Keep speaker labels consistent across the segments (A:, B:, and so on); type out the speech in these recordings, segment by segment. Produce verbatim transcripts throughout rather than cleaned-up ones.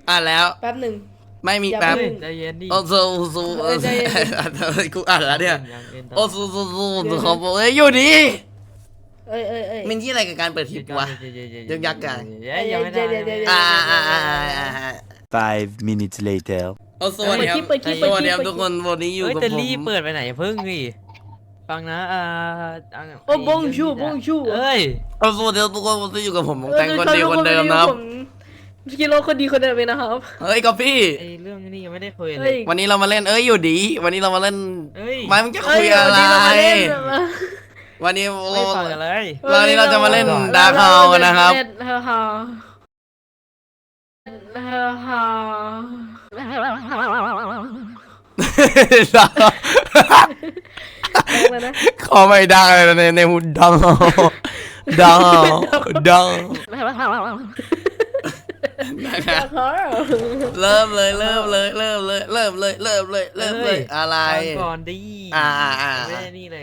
A: อ่านแล้ว
B: แป๊บหนึ่ง
A: ไม่มีแป๊บ
C: ใจเย็นดิ
A: โอ้ซูซูกูอ่านแล้วเนี่ยโอ้ซูซูซูเขาบอกเอ้ยอยู่ดี
B: เอ้ยเอ้ยเอ้ย
A: มันที่อะไรกับการเปิดทิปวะยึกยักกัน
C: ยังไม่ได้
A: อ่าอ่าอ่าอ่า
D: Five minutes later
A: โอ้สวัสดีครับสวัสดีครับทุกคนวันนี้อยู่กับผม
C: แต่รีบเปิดไปไหนเพิ่งดิฟังนะอ่า
B: โอ้บงชูบงชู
C: เอ้ย
A: โอ้สวัสดีทุกคนวันนี้อยู่กับผมแต่งคนเดียวคนเดิมนะครับ
B: กิโลคนดีคนเดิมนะครับ
A: เฮ้ยก็พี่
C: ไอเรื่องนี้ยังไม่ได้คุยเลย
A: วันนี้เรามาเล่นเอ้ยอยู่ดีวันนี้เรามาเล่น
C: เอ้ย
A: ไม่มึงจะคุยอะไรวันนี้
C: ไม่ฟังกันเลย
A: วันนี้เราจะมาเล่นดาร์คเฮาส์กันนะครับ
B: เฮาเฮาเฮาเฮา
A: ขอไม่ดังเลยในในหูดังดังดังเริ่มเลยเริ่มเลยเริ่มเลยเริ่มเลยเริ่มเลยเริ่มเลยอะไร
C: ก่อนดี
A: อ่าอ่า
C: ไม่ได้นี่เลย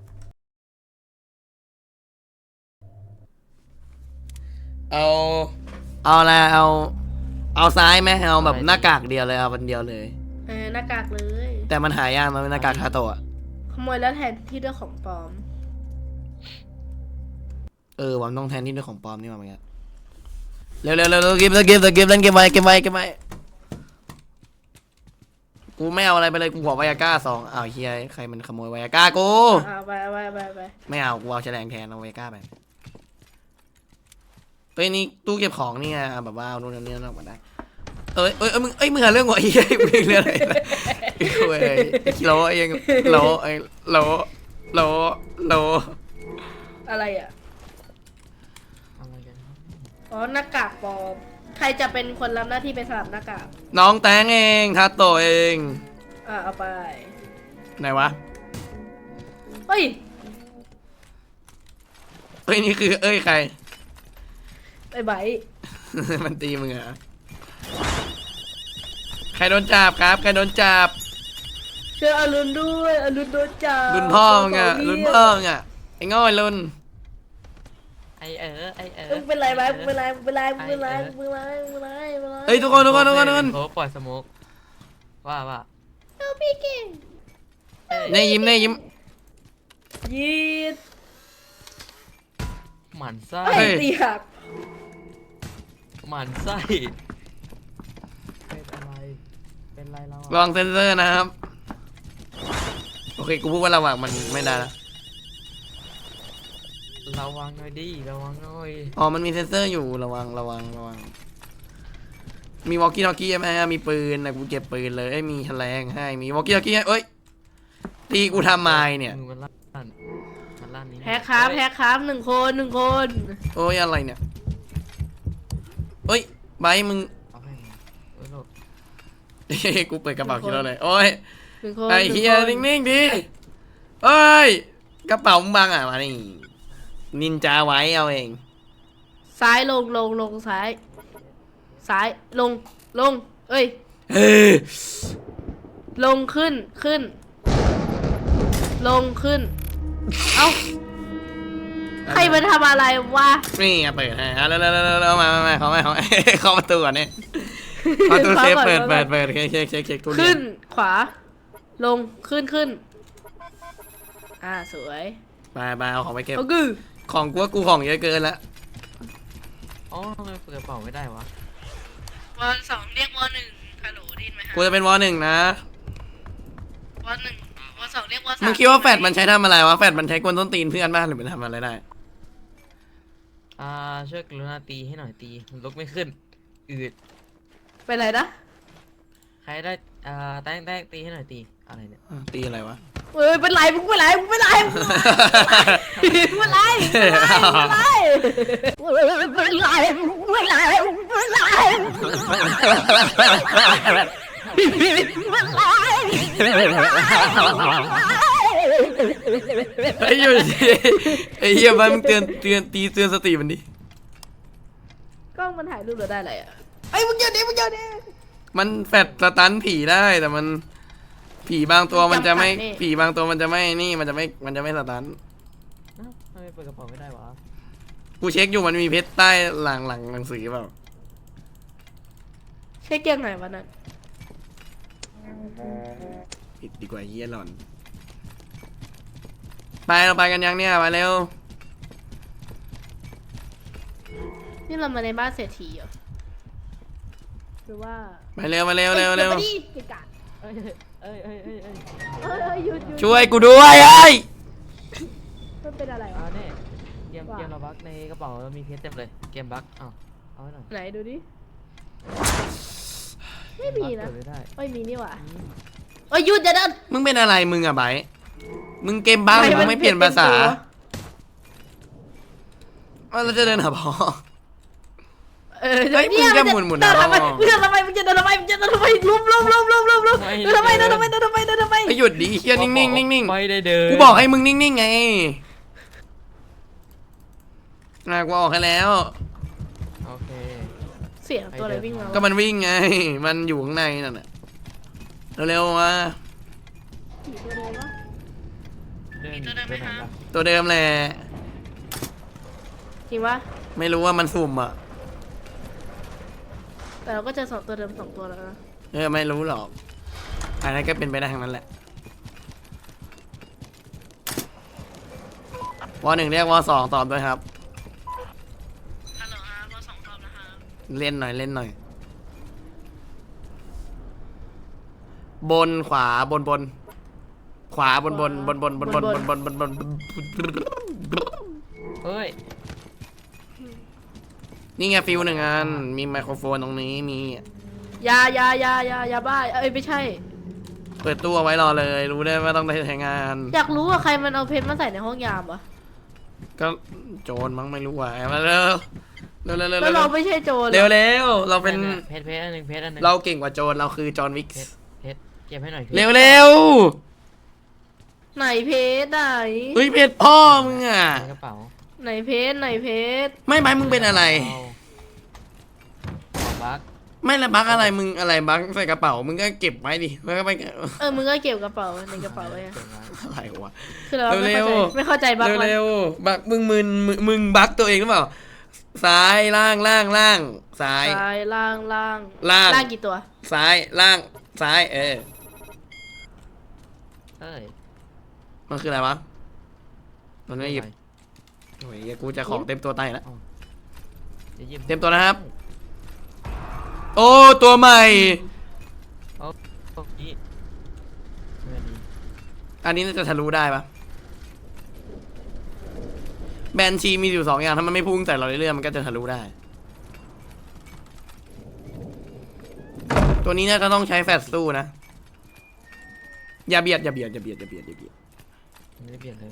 A: เอาเอาอะไรเอาเอาซ้ายไหมเอาแบบหน้ากากเดียวเลยเอาวันเดียวเลย
B: เออหน้ากากเลย
A: แต่มันหายากมันเป็นหน้ากากคาโตะ
B: ขโมยแล้วแทนที่ด้วยของปลอม
A: เออวันต้องแทนที่ด้วยของปลอมนี่มาเหมือนกันเร็วเร็วเร็วเกมเกมเกมเล่นเกมไว้เกมไว้เกมไว้กูไม่เอาอะไรไปเลยกูขอไวอาก้าสองอ้าวเฮียใครมันขโมยไวอาก้ากู
B: เอาไปเอาไปเอาไปเอาไป
A: ไม่เอากูเอาแฉลงแทนเอาไวอาก้าไปเอ้ยนี่ตู้เก็บของนี่ไงแบบว่าเอาโน่นนี่นั่นออกมาได้เอ้ยเอ้ยมึงเอ้ยมึงหาเรื่องหัวไอ้เหี้ยมึงเรื่องอะไรเว้ยโลเองโลไอ้โลโลโล
B: อะไรอ่ะ
C: อะไรกันครับ
B: อ๋อหน้ากากปลอมใครจะเป็นคนรับหน้าที่ไปสลับหน้ากาก
A: น้องแตงเองคาโตะเอง
B: อ่ะเอาไป
A: ไหนวะ
B: เฮ้ย
A: เอ้ยนี่คือเอ้ยใคร
B: ไอ้ไบ
A: มันตีมึงเหรอใครโดนจับครับใครโดนจับ
B: ช่วยอรุณด้วยอรุณโดนจับ
A: รุ่นพ่อมึงอะรุ่นพ่อมึงอะไอ้ง่อยรุ่น
C: ไอเออไอเออ
B: มึงเป็นไรไหมมึงเป็นไรมึงเป็นไรมึงเป็นไรมึงเป็นไรมึงเป็นไรมึงเป็นไร
A: เฮ้ยทุกคนทุกคนทุกคนทุกคน
C: โอ้ปล่อยสโมกว่าว่า
B: เอาพี่เก่ง
A: เน่ยิ้มเน่ยิ้ม
B: ยีด
C: หมันไส้
B: ไอ้ตีหัก
C: หมันไส้เป็นอะไรเป็นไรเรา
A: ลองเซนเซอร์นะครับโอเคกูพูดว่าระหว่างมันไม่ได้ละ
C: ระวังหน่อยดิระวังหน่อย
A: อ๋อมันมีเซนเซอร์อยู่ระวังระวังระวังมีวอลกี้ทอกกี้ไหมมีปืนนะกูเก็บปืนเลยมีแฉลงให้มีวอลกี้ทอกกี้เอ้ยตีกูทำไมเนี่ย
C: มือมันลั่นมันลั่นนี้
B: แพ้ครับแพ้ครับหนึ่งคนหนึ่งคน
A: โอ้ยอะไรเนี่ยเฮ้ยไบมึง
C: เอาให้เอ้ยโลด
A: กูเปิดกระเป๋าคิดแล้วเลยโอ้ย
B: หนึ่งคน
A: ไอ้เฮีย
B: หนึ่งคน
A: นิ่งๆดิเอ้ยกระเป๋ามึงบังอ่ะมานี่นินจาไว้เอาเอง
B: ซ้ายลงลงลงซ้าย ซ้ายลงลง เอ้ย
A: เฮ้ย
B: ลงขึ้นขึ้น ลงขึ้น เอ้าใครมาทำอะไรวะ
A: นี่ไงเปิดให้อ่ะแล้วแล้วแล้วมามามาเขาไม่เขาเข้าประตูก่อนเนี่ยประตูเซฟเปิดเปิดเปิดเช็คเช็คเช็คเช็คทุเรีย
B: ขึ้
A: น
B: นขวา ลงขึ้นขึ้น อ่าสวย
A: ไปไปเอาของไปเก็บ
B: โอ้กือ
A: ของกูว่ากูของเยอะเกินละ
C: อ๋อทำไมเปิดกระเป๋าไม่ได้วะ
B: วอสองเรียกวอหนึ่งฮัลโหลได้ยินไหมฮะ
A: กูจะเป็นวอหนึ่งนะ
B: วอหนึ่งวอสองเรียกวอสาม
A: มึงคิดว่าแฟดมันใช้ทำอะไรวะแฟดมันใช้กวนต้นตีนเพื่อนบ้างหรือมันทำอะไรได้
C: อ่าช่วยกรุณาตีให้หน่อยตีมันลุกไม่ขึ้นอืด
B: เป็นไรนะ
C: ใครได้อ่าแต้งแต้งตีให้หน่อยตีอะไรเนี่ย
A: อ่ะตีอะไรวะ
B: เอ้ยเป็นไรมึงเป็นไรมึงเป็นไรมึงเป็นไรเป็นไรเป็นไรเป็นไรเป็นไร
A: ไอ้ยูไอ้เหี้ยมันเตือนเตือนตีเตือนสติมันดิ
B: กล้องมันถ่ายรูปเราได้อะไรอ่ะไอ้มึงเยอะดิมึงเยอะดิ
A: มันแฟดสตันผีได้แต่มันผีบางตัวมันจะไม่ผีบางตัวมันจะไม่นี่มันจะไม่มันจะไม่สตัน
C: อ้าวทำไมเปิดกระเป๋าไม่ได้วะ
A: กูเช็คอยู่มันมีเพชรใต้หลังหลังหนังสือเปล่า
B: ใใช่เกียงไหนวะนั่น
A: ปิดดีกว่าเฮียหล่อนไปเราไปกันยังเนี่ยไปเร็ว
B: นี่เรามาในบ้านเศรษฐีเหรอหรือว่า
A: ไปเร็วไปเร็วเร็วเร็ว
B: อ้ยดี๋ยมาดิเกะกะ
C: เอ้ยเอ้ยเอ้ยเอ้ยเอ้ย
B: เอ้ยเอ้ยหยุดหยุด
A: ช่วยกูด้วยไอ้ย
B: มันเป็นอะไร
C: อ่าว
B: ะ
C: เนี่ยเกมเกมเราบักในกระเป๋าเรามีเพชรเต็มเลยเกมบักอ้าวเอาไว้หน่อย
B: ไหนดูดิไม่มีนะ
C: เปิดไม่ได้
B: ไม่มีนี่หว่าเอ้ยหยุดอย่าเดิน
A: มึงเป็นอะไรมึงอะไบร์ทมึงเกมบ้าหรือมึงไม่เปลี่ยนภาษาว่าเราจะเดินหาพ่อ
B: เออ
A: เฮ้ยมึงจะหมุนหมุน
B: เดิน
A: นะ
B: ทำไมมึงจะทำไมมึงจะเดินทำไมมึงจะเดินทำไมลุมลุมลุมลุมลุมลุมเดินทำไมเดินทำไมเดินทำไมเดินทำไมเดินทำไม
A: ไอ้ยหยุดดิเฮียนิ่งนิ่งนิ่งนิ่ง
C: ไม่ได้เดิน
A: กูบอกให้มึงนิ่งนิ่งไงน่ากูออกให้แล้ว
C: โอเค
B: เสียงตัวอะไรวิ่งมา
A: ก็มันวิ่งไง มันอยู่ข้างในนั่นน่ะเร็วๆมา
B: ผีตัวเดิมวะ
C: เดินตัวไหนล่ะ
A: ตัวเดิมแหละ
B: จริงปะ
A: ไม่รู้ว่ามันสุ่มอ่ะ
B: แต่เราก็เจอสองตัวเดิมสองตัวแล้วนะ
A: เออไม่รู้หรอกอันนั้นก็เป็นไปได้ทั้งนั้นแหละวอหนึ่งเรียกวอสองตอบด้วยครับ
B: ฮัลโหลครับวอสองตอบนะครับ
A: เล่นหน่อยเล่นหน่อย บนขวาบนบน ขวาบนบนบนบนบนบนบนบนบนบน
C: เฮ้ย
A: นี่ไงฟิวหนึ่งอันมีไมโครโฟนตรงนี้มี
B: ยายายายายาบ้าเอ้ยไม่ใช่
A: เปิดตู้เอาไว้รอเลย รู้ได้ว่าต้องได้ใช้งาน
B: อยากรู้ว่าใครมันเอาเพชรมาใส่ในห้องยามวะ
A: ก็โจรมั้งไม่รู้ว่ะมาเร็วเร็วเร็วเร็ว
B: แล้วเราไม่ใช่โจร
A: เร็วเร็วเราเป็น
C: เพชรเพชรอันหนึ่งเพชรอันหนึ่ง
A: เราเก่งกว่าโจรเราคือจอห์นวิก
C: เพชรเพชรเก็บให้หน่อยพี่
A: เร็วเร็ว
B: ไหนเพชรไหน
A: เฮ้ยเพชรพ่อมึงอ่ะ
C: ในกระเป๋า
B: ไหนเพชรไหนเพชร
A: ไม่ไปมึงเป็นอะไร
C: ของบัก
A: ไม่ละบักอะไรมึงอะไรบักใส่กระเป๋ามึงก็เก็บไว้ดิแล้วก็ไป
B: เออมึงก็เก็บกระเป๋าในกระเป๋าไว้อะ
C: เก็บไว้
A: อะไรวะ
B: คือเราไม่
A: เร็
B: เข้าว ใจไม่เข้าใจบ้าง
A: เร็ว
B: มัน
A: เร็วบักมึงมึนมึงมึงบักตัวเองหรือเปล่าซ้ายล่างล่างล่างซ้าย
B: ซ้ายล่างล่าง
A: ล่าง
B: ล่างกี่ตัว
A: ซ้ายล่างซ้ายเออ
C: เอ้ย
A: มันคืออะไรวะมันไม่หยิบโอ้ยเหี้ยกูจะของเต็มตัวตายแล้ว
C: จะหยิบ
A: เต็มตัวนะครับ โอ้ตัวใหม่
C: โอ้โอ้ยไม่ดี
A: อันนี้น่าจะทะลุได้ปะแบนชีมีอยู่สองอย่างถ้ามันไม่พุ่งใส่เราเรื่อยๆมันก็จะทะลุได้ ตัวนี้น่าจะต้องใช้แฟลชสู้นะ อย่าเบียดอย่าเบียดอย่าเบียดอย่าเบียดอย่าเบียด
C: ไม่ได้เปลี่ยนเลย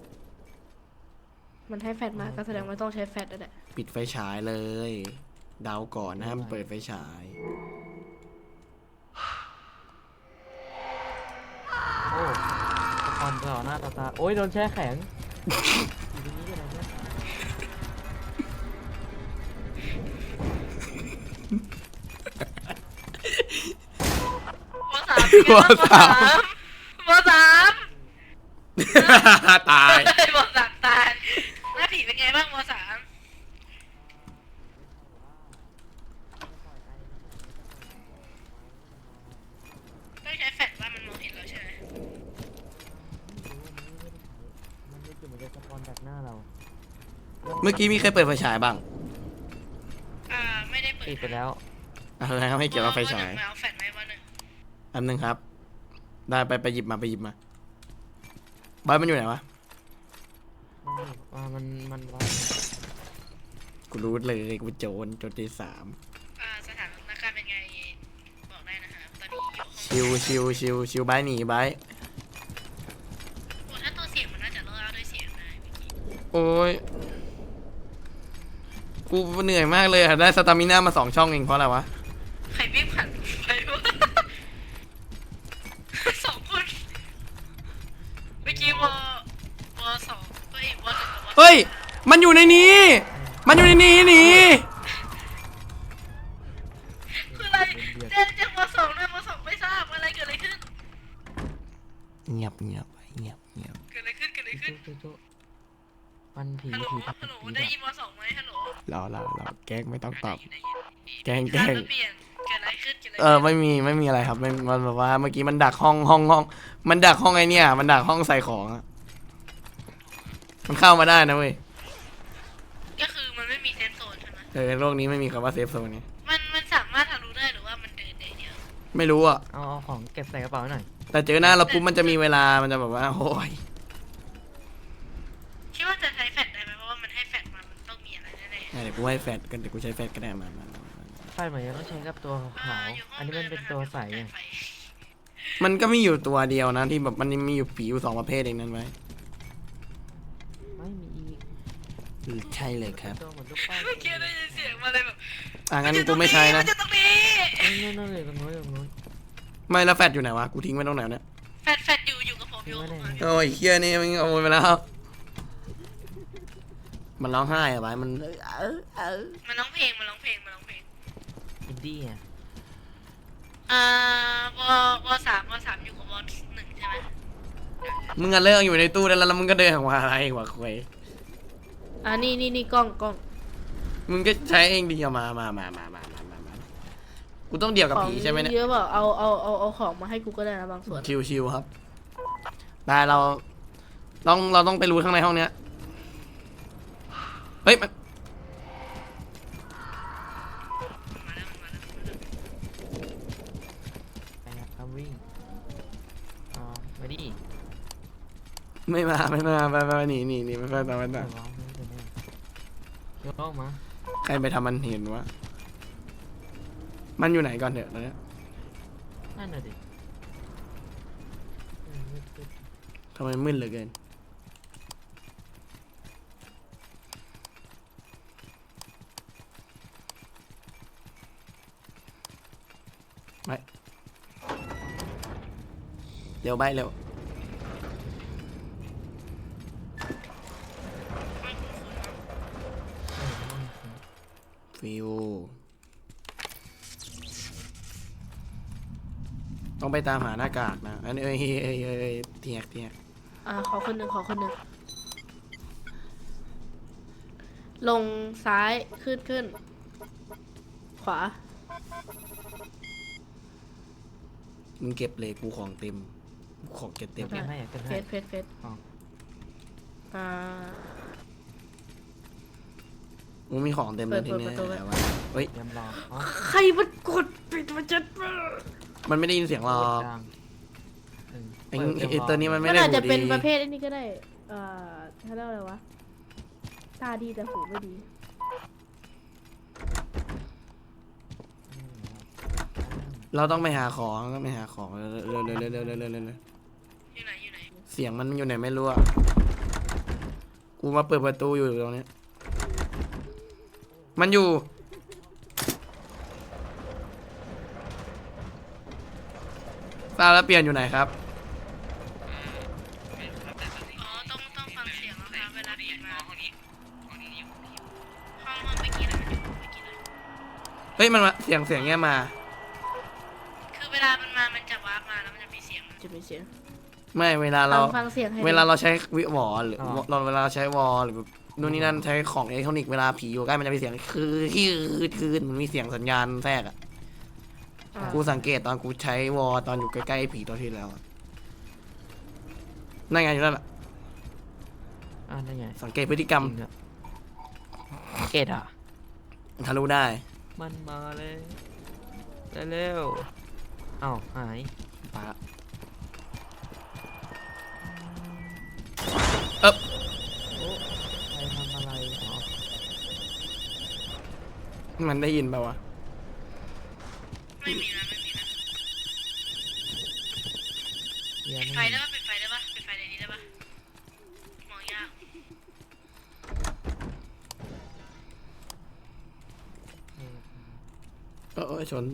B: มันให้แฟดมาก็แสดงว่าต้องใช้แฟดนั่นแหละ
A: ปิดไฟฉายเลย เดาก่อนนะมันเปิดไฟฉาย
C: โอ้ตะกอนต่อหน้าต่อตาโอ้ยโดนแช่แข็งอยู่ตรงนี้อะไรเนี่ย
B: วอสาม
A: วอสาม
B: วอสาม
A: ตาย
B: วอสามตายหน้าผีเป็นไงบ้างวอสามต้องใช้แฟดว่ามันมองเห็นเราใช่ไหม
C: มันไม่คือมันจะสปอนจากหน้าเรา
A: เมื่อกี้มีใครเปิดไฟฉายบ้าง
B: อ่าไม่ได้เปิด
C: ปิดไปแล้ว
A: อะไรครับไม่เกี่ยวกับไฟฉาย
B: เอาแฟดไหมวะหนึ่ง
A: อันนึงครับ ได้ไปไปหยิบมาไปหยิบมาบ้านมันอยู่ไหนวะ
C: มันอ่ามันมันวัด
A: กูรู้เลยกูโจรโจรที่สาม
B: อ่าสถานการณ์เป็นไงบอกได้นะคะตอนนี้อยู่ห้อง
A: ชิวชิวชิวชิวบายหนีบาย
B: โอ้ถ้าตัวเสียงมันน่าจะเล่าด้วยเสียงได้เมื่อกี้
A: โอ้ยกูเหนื่อยมากเลยอะได้สตามิน่ามาสองช่องเองเพราะอะไรวะ
B: ใครวิ่งผ่านไปวะ สองคนเมื่อกี้วอวอสองเฮ้ยวอหนึ่งกับวอ
A: เฮ้ยมันอยู่ในนี้ มันอยู่ในนี้หนี
B: คืออะไรเจ๊จากวอสองด้วยวอสองไม่ทราบอะไรเกิดอะไรขึ้น
A: เงียบเงียบไปเงียบเงียบ
B: เกิดอะไรขึ้นเกิดอะไรขึ้น
C: จุ๊จุ๊มันผี
B: ฮัลโหล
C: ผีตัด
B: ฮัลโหล
C: ผี
B: ได้
C: ดับ
B: ยินวอสองไหมฮัลโหล
A: รอรอรอแกล้งไม่ต้องตอบ
B: ได้ยินได้ยิน
A: แกล้งแก
B: คา
A: ล้
B: ด
A: ง
B: ว่าเปลี่ยนเกิดอะไรขึ้นกินอะไร
A: เออไม่มีไม่มีอะไรครับไม่มันแบบว่าเมื่อกี้มันดักห้องห้องห้องมันดักห้องไอเนี่ยมันดักห้องใส่ของอะมันเข้ามาได้นะเว้ย
B: ก็คือมันไม่มีเซฟโซนใช่ไหม
A: เออโลกนี้ไม่มีคำว่าเซฟโซนนี่
B: มันมันสามารถทะลุได้หรือว่ามันเดินได้เดียว
A: ไม่รู้อ่ะ
C: เอาเอาของเก็บใส่กระเป๋าหน่อย
A: แต่เจอหน้าเราปุ๊บมันจะมีเวลามันจะแบบว่าโอ้ย
B: คิดว่าจะใช้แฟลชได้ไหมเพราะว่ามันให้แฟลชมามันต้องมีอะไรแน่ๆ
A: เดี๋ยวกูให้แฟดกันเดี๋ยวกูใช้แฟดก็ได้มามามามา
C: ไฟเหมือนจะต้องใช้กับตัวขาวๆอันนี้มันเป็นตัวใสไง
A: มันก็มีอยู่ตัวเดียวนะที่แบบมันมีอยู่ผีอยู่สองประเภทเองนั่นไว้
C: ไม่มีอีก
A: อือใช่เลยครับ
C: ตัวเหมือนลูกป้าย
B: เมื่อกี้ได้ยินเสียงมาเลยแบบ
A: อ่ะงั้นกูไม่ใช้นะ
B: มันจะตรงนี้
C: นู่นนู่นเลยตรงนู้นตรงนู้น
A: ไม่แล้วแฟดอยู่ไหนวะกูทิ้งไว้ตรงไหนเนี่ย
B: แฟลชแฟลชอยู่อยู่กับผมอยู่กับผม
A: โอ้ยเฮียนี่มันเอาไปแล้ว มันร้องไห้อะไปมันเออเออเออ
B: มันร้องเพลงมันร้องเพลงมันร้องเพลง
C: อินดี้อ่ะ
B: อ่าวอวอสามวอสามอยู่กับวอหนึ่งใช่ไหม
A: มึงอะเลิกอยู่ในตู้ได้แล้วแล้วมึงก็เดินออกมาอะไรวะคุย
B: อ่านี่นี่นี่กล้องกล้อง
A: มึงก็ใช้เองดีเอามามามามามามามามากูต้องเดี่ยวกับผีใช่ไหมเนี่ย
B: เยอะเปล่าเอาเอาเอาเอาของมาให้กูก็ได้นะบางส่วน
A: ชิวๆครับได้เราต้องเราต้องไปรู้ข้างในห้องเนี้ยเฮ้ยมัน
C: ไปครับวิ่งอ๋อมาดิ
A: ไม่มาไม่มาไปไปหนีหนีหนีไม่ไปต่อไปต่อ
C: เดี๋ยวร้องไม่เป็นไรเดี๋ยวร้องมา
A: ใครไปทำมันเห็นวะมันอยู่ไหนก่อนเถอะตอนเนี้ย
C: นั่นน่ะดิอืมมืดตึ๊บ
A: ทำไมมืดเหลือเกินไปเร็วไปเร็วฟิวต้องไปตามหาหน้ากากนะอันนี้เอ้ยเอ้ยเอ้ยเอ้ยเทียกเทียก
B: อ่าขอคนหนึ่งขอคนหนึ่งลงซ้ายขึ้นขึ้น ขวา
A: มึงเก็บเลยกูของเต็มกูของเก็บเต็ม
C: เก็บให้อ่ะเก็บ
B: เฟ
C: ให้
B: สเฟสเฟส
C: อ๋อ
B: อ่า
A: มึงมีของเต็มเลยที
B: เปิด
A: เนี้ย
B: เปิดประตูไว้
A: แต่ว่าเฮ้ย
C: เตรียมรออ๋อ
B: ใครมันกดปิดมันจะ
A: มันไม่ได้ยินเสียงหรอก
C: กลางเออ
A: ไอ้
C: เปิดเตรียม
A: ไอ้
C: รอ
A: ตัวนี้มันไม่
B: มัน
A: ได้
B: อาจจะ
A: หู
B: เป็น
A: ดี
B: ประเภทไอ้นี้ก็ได้เอ่อเขาเรียกว่าอะไรวะตาดีแต่หูไม่ดี
A: เราต้องไปหาของต้องไปหาของเร็วเร็วเร็วเร็วเร็วเร็วเร็วเร็ว
B: อยู่ไหนอยู่ไหน
A: เสียงมันอยู่ไหนไม่รู้อะกูมาเปิดประตูอยู่ตรงนี้มันอยู่ทราบแล้วเปลี่ยนอยู่ไหนครับ
B: อ๋อต้องต้องฟังเสียงนะคะเวลาปิดมาห้องนี้ห้องนี้อยู่ห้องห้องเมื่อกี้เลยมันอยู่เมื่อกี้เลย
A: เฮ้ยมันมาเสียงเสียงเงี้ยมา
B: คือเวลามันมามันจะวาร์ปมาแล้วมันจะมีเสียงจะมีเสียง
A: ไม่เวลาเรา
B: ฟังฟังเสียงให้
A: เวลาเราใช้วิวอลหรือเราเวลาเราใช้วอลหรือแบบนู่นนี่นั่นใช้ของอิเล็กทรอนิกส์เวลาผีอยู่ใกล้มันจะมีเสียงคือคือคือมันมีเสียงสัญญาณแทรกอะ
B: อ่า
A: กูสังเกตตอนกูใช้วอลตอนอยู่ใกล้ๆผีตัวที่แล้วอะนั่นไงอยู่นั่นแหละ
C: อ่านั่นไง
A: สังเกตพฤติกรรม
C: จริงอะเกตอ่ะ
A: ทะลุได้
C: มันมาเลยเร็วๆอ้าวหาย
A: ปะเอ๊บ
C: โอ้ใครทำอะไรอ๋อ
A: มันได้ยินเปล่าวะ
B: ไม่มีนะไม่มีนะ
C: เหี้ย
B: ปิดไฟ
C: ไม่
B: ได้ปะปิดไฟได้ปะปิดไฟในนี้ได้ปะมองยาก
A: เออเออชน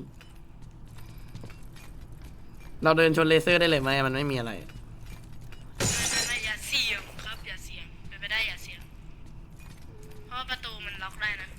A: เราเดินชนเลเซอร์ได้เลยไหมมันไม่มีอะไร
B: ไม่ไม่อย่าเสียงครับอย่าเสียงเป็นไปได้อย่าเสียง เพราะว่าประตูมันล็อกได้นะ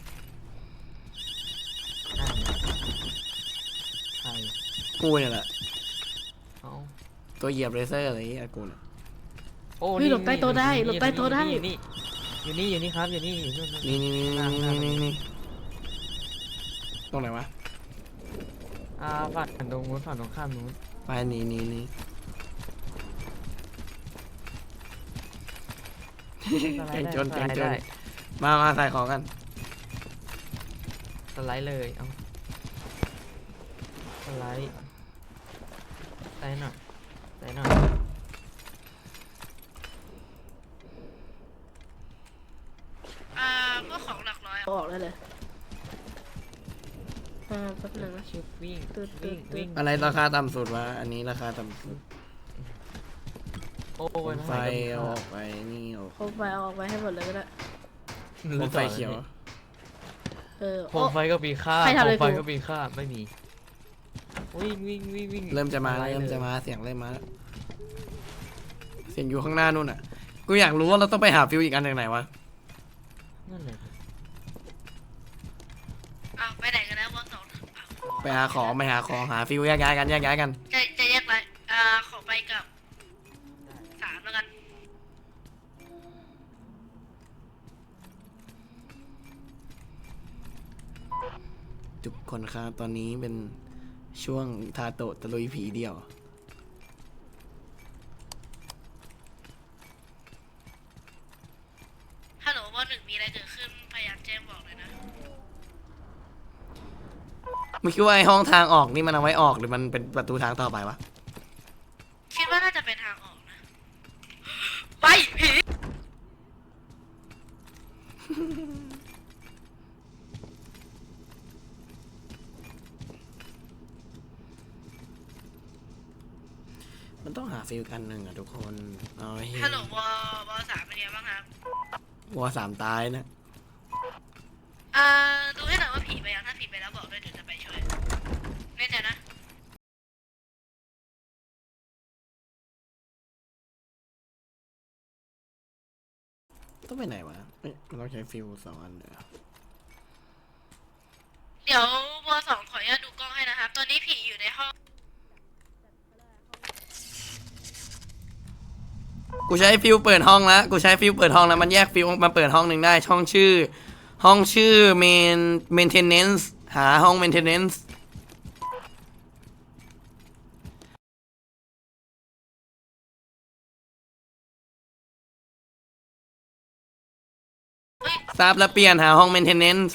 C: นั่นไงใคร
A: กูเนี่ยแหละ
C: เอ้า
A: ตัวเหยียบเลเซอร์อะไรอย่างเงี้ยกูเนี่ย
C: โอ้
B: เฮ้ยหลบใต้โต๊ะได้หลบใต้โต๊ะได้
C: อยู่นี่อยู่นี่อยู่นี่ครับอยู่นี่อยู่นู่นนู่น
A: นี่นี่นี่นี่นี่นี่นี่ตรงไหนวะ
C: อ่าฝั่งตรงนู้นฝั่งตรงข้ามนู้น
A: ไปหนีหนีหนี
C: สไล
A: แกง
C: ด์ได้
A: จน
C: ส
A: แก
C: ไล
A: ง
C: ด์
A: จน
C: ได้
A: มามาใส่ของกัน
C: สไลด์เลยเอาสไลด์สไลด์หน่อยสไลด์หน่อย
B: อ่าพวกของหลักร้อยออกได้เลยอ่าแป๊บหนึงนะ
C: ชิบวิ่ง
B: ตึ๊ดตึ๊
C: วิ่
B: ด
C: ง
B: ตึ๊ด
C: วิ่ง
A: อะไรราคาต่ำสุดวะอันนี้ราคาต่ำสุด
C: โอ้
A: โค
C: ย
A: มไฟเอาออกไปนี่ออก
B: โคมไฟเอาออกไปให้หมดเลยก็ได้
A: โคมไฟเขียว
B: เออ
C: โค
B: โอ้
C: มไฟก็มีค่า
B: ใคร
C: โค
B: ทำอะไร
C: มไฟ
B: กู
C: ก็มีค่าไม่มีวิ่งวิ่งวิ่งวิ่ง
A: เริ่มจะมา
C: สไลด์
A: เริ่ม
C: ลย
A: จะมาเสียงเริ่มมาแล้วเสียงอยู่ข้างหน้านู่นอ่ะกูอยากรู้ว่าเราต้องไปหาฟิวอีกอันจากไหนวะ
C: นั่นเลย
B: อ้าวไปไหนกันแล้ววอสอง
A: ไปหาของไปหาของหาฟิวแยกย้ายกันแยกย้ายกัน
B: จะจะแยกไปอ่าขอไปกับสามแล้วกัน
A: ทุกคนครับตอนนี้เป็นช่วงทาโตะตะลุยผีเดียว
B: ฮัลโหลวอหนึ่งมีอะไรเกิดขึ้นพยายามแจ้งบอกเลยนะ
A: มึงคิดว่าไอ้ห้องทางออกนี่มันเอาไว้ออกหรือมันเป็นประตูทางต่อไปวะ
B: คิดว่าน่าจะเป็นทางออกนะ ไปผี
A: มันต้องหาฟิวกันหนึ่งอ่ะทุกคนเอาให้
B: ฮัลโหลวอวอสามเป็นไงบ้างครับ
A: วัวสามตายนะ
B: อ่าดูให้หน่อยว่าผีไปยังถ้าผีไปแล้วบอกด้วยเดี๋ยวจะไปช่วยแน่ใจนะ
A: ต้องไปไหนวะเอ้ยมันต้องใช้ฟิวสองอันเลยอะ
B: เดี๋ยววอสองขออนุญาตดูกล้องให้นะครับ ตอนนี้ผีอยู่ในห้อง
A: กูใช้ฟิวเปิดห้องแล้วกูใช้ฟิวเปิดห้องแล้วมันแยกฟิวมาเปิดห้องหนึ่งได้ช่องชื่อ ห้องชื่อ main maintenance หาห้อง maintenance ทราบแล้วเปลี่ยนหาห้อง maintenance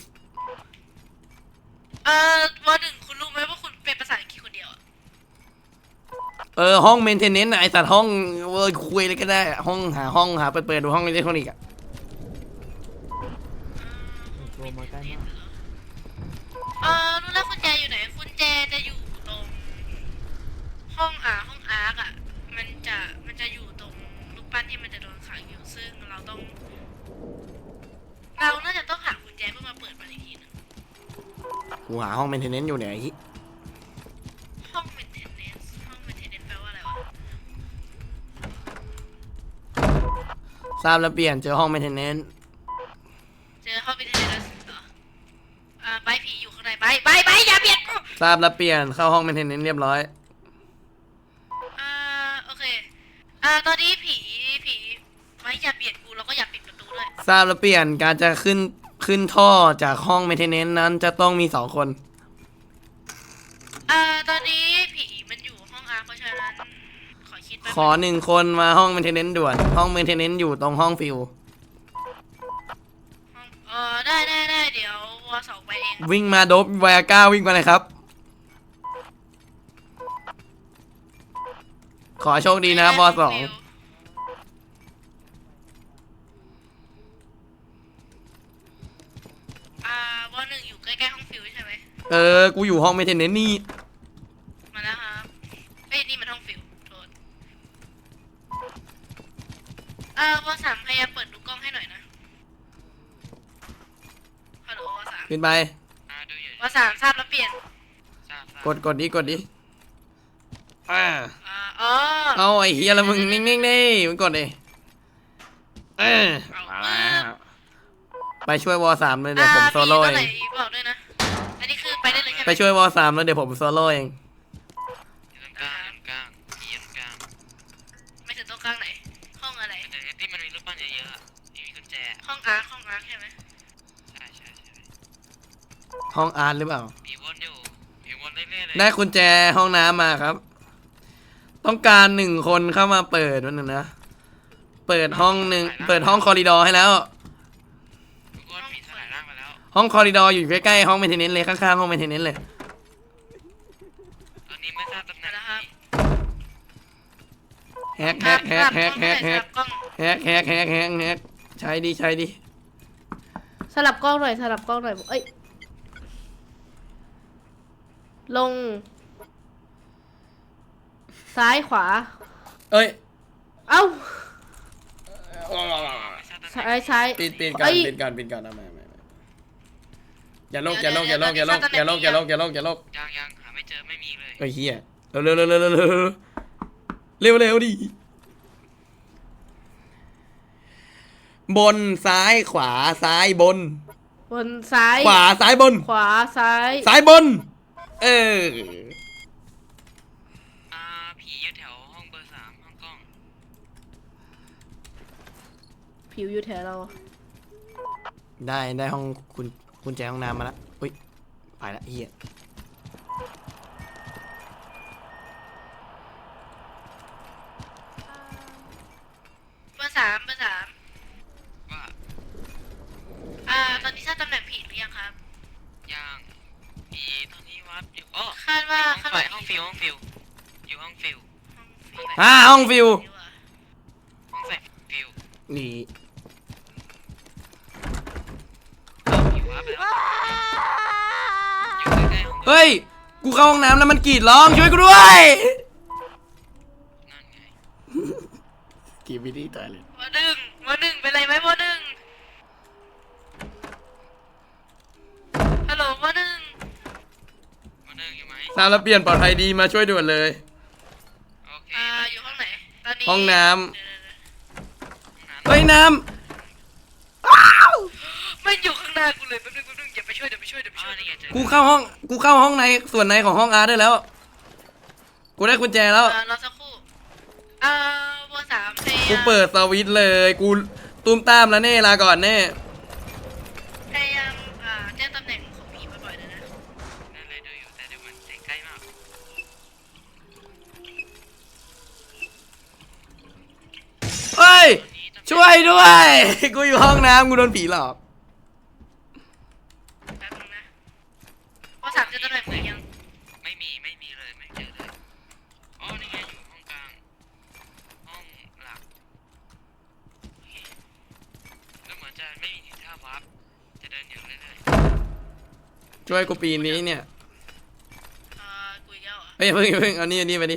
B: เอ่อวอหนึ่งคุณรู้ไหมว่าคุณเป็นภาษาอังกฤษคนเดียวอะ
A: เออห้อง maintenance อะไอสัตว์ห้องเว้ยคุยเลยก็ได้ห้องหาห้องหาเปิดเปิดดูห้องอิเล็กทรอนิกส์อะ
C: ตัวมาใกล้มาก
B: เอ่อรู้แล้วกุญแจอยู่ไหนกุญแจจะอยู่ตรงห้องอ่าห้องอาร์กอ่ะ มันจะมันจะอยู่ตรงรูปปั้นที่มันจะโดนขังอยู่ซึ่งเราต้อง เราน่าจะต้องหากุญแจเพื่อมาเปิดมันอีกทีหนึง
A: กูหาห้อง maintenance อยู่เนี่ยไอ้เหี้ย
B: ห้อง maintenance ห้อง maintenance แปลว่าอะไรวะ
A: ทราบแล้วเปลี่ยนเจอห้อง maintenance
B: เจอห้อง maintenance เหรออ่าใบผีอยู่ข้างในใบใบใบอย่าเบียดกู
A: ทราบแล้วเปลี่ยนเข้าห้อง maintenance เรียบร้อย
B: อ่าโอเคอ่าตอนนี้ผีผีใบอย่าเบียดกูแล้วก็อย่าปิดประตูด้วย
A: ทราบแล้วเปลี่ยนการจะขึ้นขึ้นท่อจากห้อง maintenance นั้นจะต้องมีสองคน
B: อ่าตอนนี้ผีมันอยู่ห้องอาร์เพราะฉะนั้นขอคิดแป๊บ
A: ขอหนึ่งคนมาห้อง maintenance ด่วน ห้อง maintenance อยู่ตรงห้องฟิว
B: ห้องเออได้ได้ได้เดี๋ยววอสองไปเอง
A: วิ่งมาโดบไวอาก้าวิ่งมาเลยครับ ขอโชคดีนะบอสอง
B: อ่าวอหนึ่งอยู่ใกล้ๆห้องฟิวใช่ไหม
A: เออ กูอยู่ห้อง maintenance นี่
B: มาแล้วครับเอ้ยนี่มันห้องฟิวโทษอ่าวอสามพยายามเปิดดูกล้องให้หน่อยนะฮัลโหลวอสาม
A: ขึ้นไป
C: อ่าดูอยู่
B: วอสามทราบแล้วเปลี่ยน
C: ทราบทราบ
A: กดกดดิกดดิอ่า
B: อ่าอ๋อ
A: เอาไอ้เฮียแล้วมึงนิ่งๆดิมึงกดดิเออมาแล้วไปช่วยวอสามเลยเดี๋ยวผมโซโล่
B: อ่า
A: เอ
B: มี
A: ง
B: ตัวไหนบอกด้วยนะอันนี้คือไปได้เลยใช่ไหม
A: ไปช่วยวอสามแล้วเดี๋ยวผมโซโล่เอง
C: อยู่ตรงกลางอยู่ตรงกลางที่อยู่ตรงกลาง
B: ไม่ถึงตรงกลางไหน ห้องอะไร
C: แต่ที่มันมีรูปปั้นเยอะๆอะที่มีกุญแจ
B: ห้องอาร์คห้องอาร์คใช่ไหม
C: ใช่ใช่ใช่
A: ห้องอาร์ตหรือเปล่า
C: ผีวนอยู่ผีวนเรื่เรื่อยๆเลย
A: ได้กุญแจห้องน้ำมาครับ ต้องการหนึ่งคนเข้ามาเปิดวันหนึ่งนะ เปิดห้องหนึ่งเปิดห้องคอริดอร์ให้แล้ว
C: ทุกคนผีสลายร่างไปแล้ว
A: ห้องคอริดอร์อยู่ใกล้ๆห้องเมนเทนเนนซ์เลยข้างๆห้องเมนเทนเนนซ์เลย
C: ตอนนี้ไม่ทราบตำแหน่ง
B: นะครับ
A: แฮกแฮกแฮกแฮกแฮกแฮก
B: กล้อง
A: แฮกแฮกแฮกแฮกแฮกใช้ดีใช้ดี
E: สลับกล้องหน่อยสลับกล้องหน่อยเอ้ยลง ซ้ายขวา
A: เอ้ย
E: เอ้า
C: ไม่ทราบตำแหน่ง
E: ซ้ายซ้าย
A: ปิดปิดก่อน
E: เอ้ย
A: ปิดก่อนปิดก่อนเอาไม่ไม่ไม่อย่าโลกอย่าโลกอย่าโลกอย่าโลกอย่าโลกอย่าโลกอย่าโลกอย่าโลก
C: ยังยังหาไม่เจอไม่มีเลย
A: เฮ้ยเฮียเร็วเร็วเร็วเร็วเร็วเร็วเร็วเร็วดิบนซ้ายขวาซ้ายบน
E: บนซ้าย
A: ขวาซ้ายบน
E: ขวาซ้าย
A: ซ้ายบน เออ
C: อ่าผีอยู่แถวห้องเบอร์สามห้องกล้อง
E: ผิวอยู่แถวเรา
A: ได้ได้ห้องคุณคุณแจห้องน้ำมาแล้วอุ้ยไปละเฮีย
B: เบอร์สามเบอร์สาม
C: ว่า
B: อ่า ตอนนี้ทราบตำแหน่งผีหรือยังครับ
C: ยังผีตอนนี้วัดอยู่อ๋อ
B: คาดว่า
C: ห้
B: ข้า
C: อง
B: ง
C: ไฟ
B: หลัง
C: ห้องฟิวห้องฟิวอยู่ห้องฟิว
A: อ่าห้องฟิว
C: ห้องใส่ฟิว
A: นี่
C: เอาผีวัดไปแล้วอยู่ใกล้ๆห้องเบอร์
A: เฮ้ยกูเข้าห้องน้ำแล้วมันกรีดร้องช่วยกูด้วย
C: นั่นไง
A: กรีดวิธีตายเลย
B: วอหนึ่งวอหนึ่งเป็นไรไหมวอหนึ่งฮัลโหลวอหนึ่ง
C: มาเดินอยู่ไหม
A: ทราบแล้วเปลี่ยนปลอดภัยดีมาช่วยด่วนเลย
C: โอเค
B: อ่า อยู่ห้องไหน ตอนนี้
A: ห้องน้ำ
B: เดี๋ยวๆ
A: เฮ้ยน้
B: ๆไม่อยู่ข้างหน้ากูเลยแป๊บนึงแป๊บนึงอย่าไปช่วยเดี๋ยวไปช่วยเดี๋ยวไป
C: อ๋อ
B: ช่วย
C: นี่ไงเจอ
A: ำกูเข้าห้องกูเข้าห้องในส่วนในของห้องอาร์ตได้แล้ว กูได้กุญแจแล้ว
B: อ่ารอสักครู่อ่าวอสามพยายาม
A: กูเปิดสวิตช์เลย กูตุ้มตามแล้วเน่ลาก่อนเน่
B: พยายามอ่าแจ้งตำแหน่งของผีบ่อยๆเลยนะ
C: นั่นเลยดูอยู่แต่เดี๋ยวมันใกล้มาก
A: เฮ้ย
C: ตอนนี้ตำแหน่ง
A: ช่วยด้วย กูอยู่ห้องน้ำกูโดนผีหลอก
B: แป๊บนึงนะวอสามเจอตำแหน่งผียัง
C: ไม่มีไม่มีเลยไม่เจอเลยอ๋อนี่ไงอยู่ห้องกลางห้องหลักโอเคแล้วเหมือนจะไม่มีทีท่าวาร์ปจะเดินอยู่เรื่อย
A: ช่วยกูปีนนี้เนี่ย
B: อ่ากูอีกแล้วเหรอ่ะ
A: เฮ้ยเพิ่งเพิ่งเอานี่เอานี่ไปดิ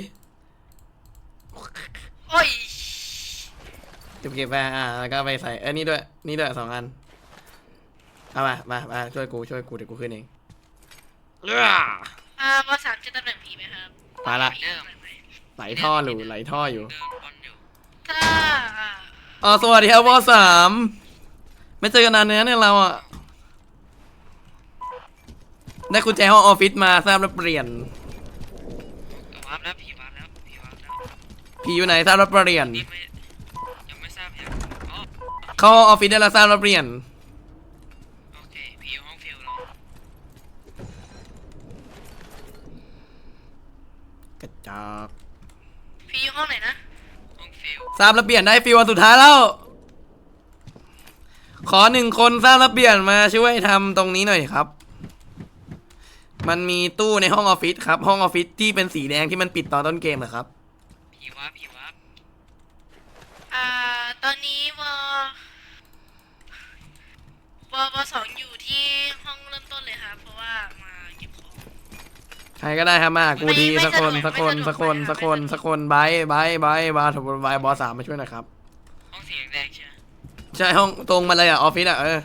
B: โอ้ย
A: เก็บเก็บไปอ่าแล้วก็ไปใส่เอ้ยนี่ด้วยนี่ด้วยสองอันเอามามามาช่วยกูช่วยกูเดี๋ยวกูขึ้นเองเอ้อ
B: อ่าวอสามเจอตำแหน่งผีไหมครับ
A: มาละ
B: ผีตำแหน่งไหน
A: ไหลท่ออยู่ไหลท่ออยู่
C: ๆเดินบอลอยู่
B: ถ้าอ่า
A: อ๋อสวัสดีครับวอสามไม่เจอกันนานเนี้ยเนี่ยเราอ่ะได้กุญแจห้องออฟฟิศมาทราบแล้วเปลี่ยน
C: วาร์ปแล้วผีวาร์ปแล้วผีวาร์ปแล้ว
A: ผีอยู่ไหนทราบแล้วเปลี่ยน
C: นี่ไม่ยังไม่ทราบอย่างอ๋อ
A: เข้าห้องออฟฟิศได้แล้วทราบแล้วเปลี่ยน
C: โอเคผีอยู่ห้องฟิวแล้ว
A: กระจอก
B: ผีอยู่ห้องไหนนะ
C: ห้องฟิว
A: ทราบแล้วเปลี่ยนได้ฟิววันสุดท้ายแล้ว ขอหนึ่งคนทราบแล้วเปลี่ยนมาช่วยทำตรงนี้หน่อยครับ มันมีตู้ในห้องออฟฟิศครับ ห้องออฟฟิศที่เป็นสีแดงที่มันปิดตอนต้นเกมเหรอครับ
C: ผีวาร์ปผีวาร์ป
B: อ่า ตอนนี้วอวอวอสองอยู่ที่ห้องเริ่มต้นเลยครับเพราะว่ามาเก็บของ
A: ใครก็ได้ครับมากู
B: ไม่
A: ที
B: ไม่
A: สักคน
B: สะดวก
A: สักคน
B: ไม่
A: สัก
B: สะดวก
A: คน
B: ไม่
A: สักคน
B: ไม่สะดวก
A: สักคนบายบายบายบายถูกบายบอสสามมาช่วยหน่อยครับ
C: ห้องสีแดงๆใช่ไหม
A: ใช่ห้องตรงมาเลยอ่ะออฟฟิศอ่ะเออ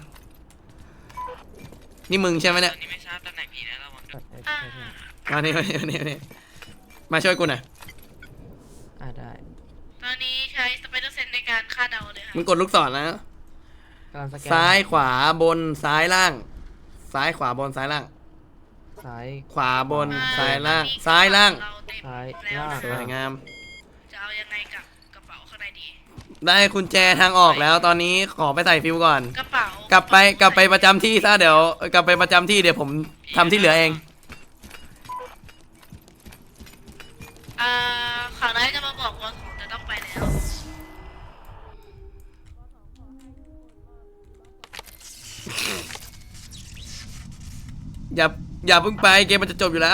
A: นี่มึงใช่ไหมเนี่ย
C: ตอนนี้ไม่ทราบตำแหน่งผีนะระวังด้วย
B: อ่า
A: มานี่มานี่มานี่มานี่มาช่วยกูหน่อย
C: อ่าได้
B: ตอนนี้ใช้สไปเดอร์เซนในการคาดเดาเลยค่ะ
A: มึงกดลูกศรนะ
C: กำลังสแกน
A: ซ้ายขวาบนซ้ายล่าง ซ้ายขวาบนซ้ายล่าง
C: ซ้าย
A: ขวาบน
B: อ่
A: ซ้ายล่าง
B: ตอนนี้
A: ซ้ายล่าง
B: เรเต็ม
C: ซ้าย
B: แล้ว
C: ล่าง
A: ส
B: นะ
A: วยงาม
B: จะเอายังไงกับกระเป๋าข้างในดี
A: ได้กุญแจทางออกแล้ว ตอนนี้ขอไปใส่ฟิวก่อน
B: กระเป๋าก
A: ลับไปกลับไปประจำที่ซะเดี๋ยวกลับไปประจำที่เดี๋ยวผมทำที่เหลือเอง
B: อ่าข่าวร้ายจะมาบอกว่าของจะต้องไปแล้ว
A: อย่าอย่าเพิ่งไปเกมมันจะจบอยู่แล้ว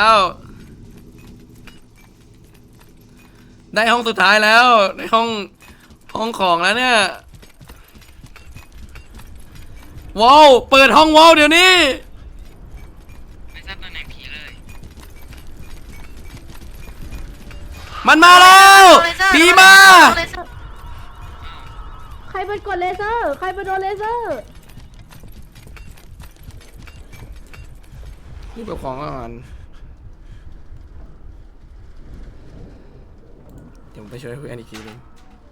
A: ได้ห้องสุดท้ายแล้วได้ห้องห้องของแล้วเนี่ยว้าวเปิดห้องว้าวเดี๋ยวนี้
C: ไม่ทราบตำแหน่งผีเลย
A: มันมาแล้วผีมา
E: ใครเป็นกดเลเซอร์ ใครเป็นโดนเลเซอร์
A: รีบเอาของก่อนเดี๋ยวผมไปช่วยคุยกันอีกทีหนึง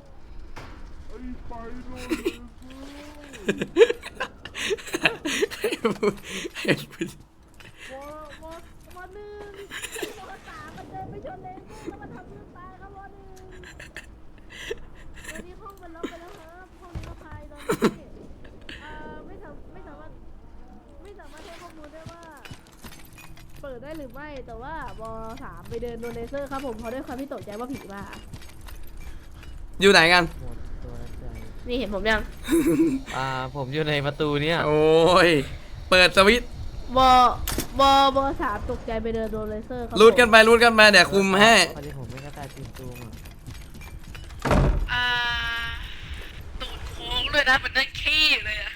A: ให้พูดให้พูด
E: วอวอวอหนึ่งวอสามมันเดินไปชนเลเซอร์แล้วมันทำเพื่อนตายครับวอหนึ่งตอนนี้ห้องมันล็อกไปแล้วครับห้องนี้ก็พายตอนนี้เอ่อไม่สามไม่สามารถไม่สามารถให้ข้อมูลได้ว่า เปิดได้หรือไม่แต่ว่าวอสามไปเดินโดนเลเซอร์ครับผมเพราะด้วยความที่ตกใจว่าผีมา
A: อยู่ไหนกัน
E: นี่เห็นผมยัง
F: อ่าผมอยู่ในประตูเนี่ย
A: โอ้ยเปิดสวิตช์
E: วอวอวอสามตกใจไปเดินโดนเลเซอร์ครับ
A: รูดกันไปรูดกันไปเดี๋ยวคุมให้
F: พอดีผมไม่กระต่ายตื่นตูมอ่ะ
B: อ่าตูดโค้งเลยนะเหมันนั่งขี้เลยอะ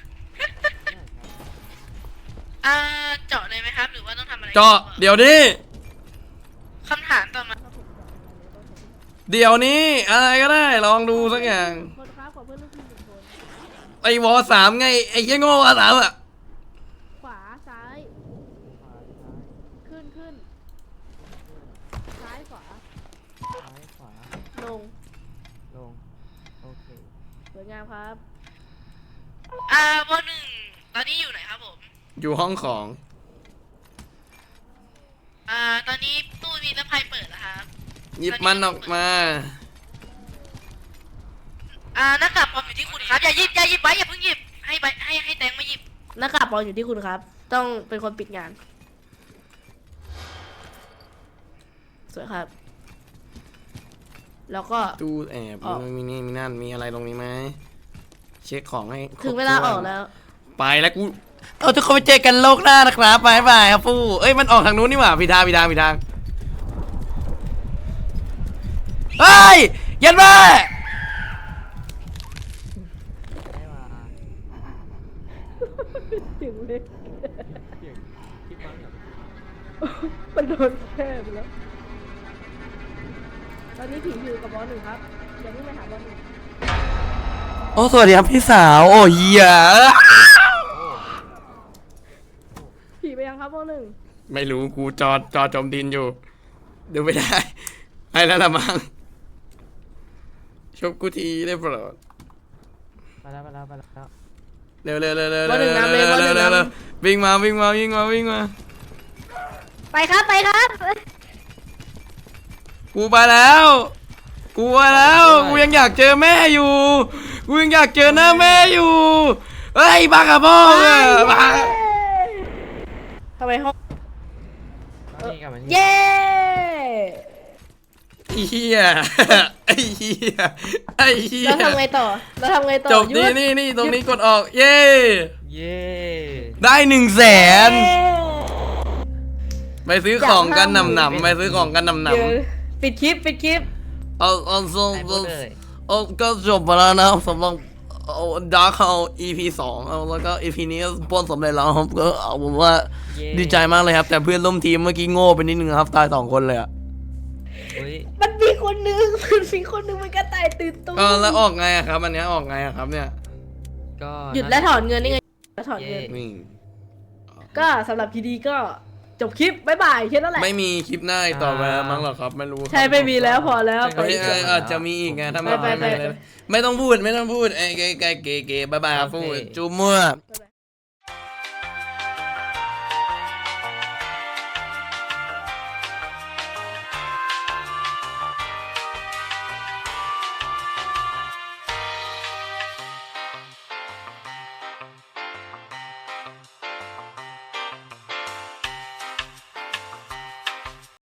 B: อ่าเจาะเลยไหมครับ หรือว่าต้องทำอะไร
A: เจาะเดี๋ยวนี้
B: คำถามต่อมา
A: เดี๋ยวนี้อะไรก็ได้ลองดูสักอย่าง
E: คนครับขอเพื่อนลูกทีมหนึ่งคน
A: ไอ้วอสามไงไอ้เหี้ยโง่วอสามอ่ะ
E: ขวาซ้าย ขึ้นขึ้นซ้ายขวา
F: ซ้ายขวา
E: ลง
F: ลง โอเค
E: สวยงามครับ
B: อ่าบอหนึ่งตอนนี้อยู่ไหนครับผม
A: อยู่ห้องของ
B: อ่า ตอนนี้ตู้มีน้ำพายเปิดแล้วครับ
A: หยิบมันออกมา
B: อ่าหน้ากากปลอมอยู่ที่คุณครับ อย่าหยิบอย่าหยิบไว้อย่าเพิ่งหยิบ ให้ใบให้ให้แตงมาหยิบ
E: หน้ากากปลอมอยู่ที่คุณครับ ต้องเป็นคนปิดงาน สวยครับ แล้วก็
A: ตู้แอบ
E: ออก
A: มีนี่มีนั่นมีอะไรตรงนี้ไหมเช็คของให้ครบ
E: ถึงเวลา
A: ถ้น
E: ออกแล้ว
A: ไปแล้วกูเอาทุกคนไปเจอกันโลกหน้านะครับบายบายครับฟูเอ้ยมันออกทางนู้นนี่หว่าผิดทางผิดทางผิดทางเฮ้ยยันมา
F: ได้มา
E: ถึงเลย
F: เสียงคิดบ้างเหรอ
E: มันโดนแค่ไปแล้ว ตอนนี้ผีอยู่กับบอสหนึ่งครับอย่าเพิ่งไปหาบอสหนึ่ง
A: โอ้สวัสดีครับพี่สาวโอ้เหี้ย
E: ผีไปยังครับบอสหนึ่ง
A: ไม่รู้กูจอจอจมดินอยู่ดูไม่ได้ไปแล้วละมั้งชบกูทีได้โปรด
F: ไปแล้วไปแล้วไปแล้ว
A: เร็วเร็วเร็วเร็ว
E: บอสหนึ่งนำเลยบอสหนึ่ง
A: เร็วเร็วน
E: ำ
A: วิ่งมาวิ่งมาวิ่งมาวิ่งมา
E: ไปครับไปครับ
A: กูไปแล้ว กูไปแล้ว กูยังอยากเจอแม่อยู่ กูยังอยากเจอหน้าแม่อยู่ เฮ้ยบ้ากับพ่ออะบ้า
E: ทำไมห้อง
F: มานี่กลับมานี่
E: เย้
A: ไอ้เหี้ยไอ้เหี้ยไอ้เหี้ย
E: เราทำไงต่อ เราทำไงต่อ
A: จบนี่
E: ยุทธ
A: นี่นี่ตรงนี้กดออก เย้
F: เย้
A: ได้หนึ่งแสน
E: เย้
A: ไปซื้อของกันหนำหนำไปซื้อของกันหนำหน
E: เดี๋ยวปิดคลิปปิดคลิป
A: ำเอาเอาเอา
F: ไปหมดเลย
A: เอาก็จบไปแล้วนะสำหรับเอาดาร์คเอา อี พี สองเอาแล้วก็ อี พี นี้ก็ป้นสำเร็จแล้วครับก็เอาผมว่า
F: เย้
A: ดีใจมากเลยครับ แต่เพื่อนร่วมทีมเมื่อกี้โง่ไปนิดนึงครับตายสองคนเลยอะ
F: อุ้ย
E: มันมีคนหนึง มันมีคนหนึงมันกระต่ายตื่นตูม
A: เออแล้วออกไงอะครับอันเนี้ยออกไงอะครับเนี่ย
F: ก็
E: หยุดและถอนเงินนี่ไงและถอนเงิน
F: เย้
A: นี่
E: ก็สำหรับพีดีก็จบคลิปบ๊ายบายแค่นั้นแหละ
A: ไม่มีคลิปหน้าอีกต่อไปแล้วมั้งหรอครับไม่รู้ครับ
E: ใช่ไม่มีแล้วพอแล้ว
A: เฮ้ยเอ้ยอาจจะมีอีกไงถ้าไม่
E: ไปไป
A: ไม่
E: ไป
A: เลยไม่ต้องพูดไม่ต้องพูดไอ้เกย์เกย์เกย์เกย์บายบายครับพูดจูมั่ว
E: บ๊ายบาย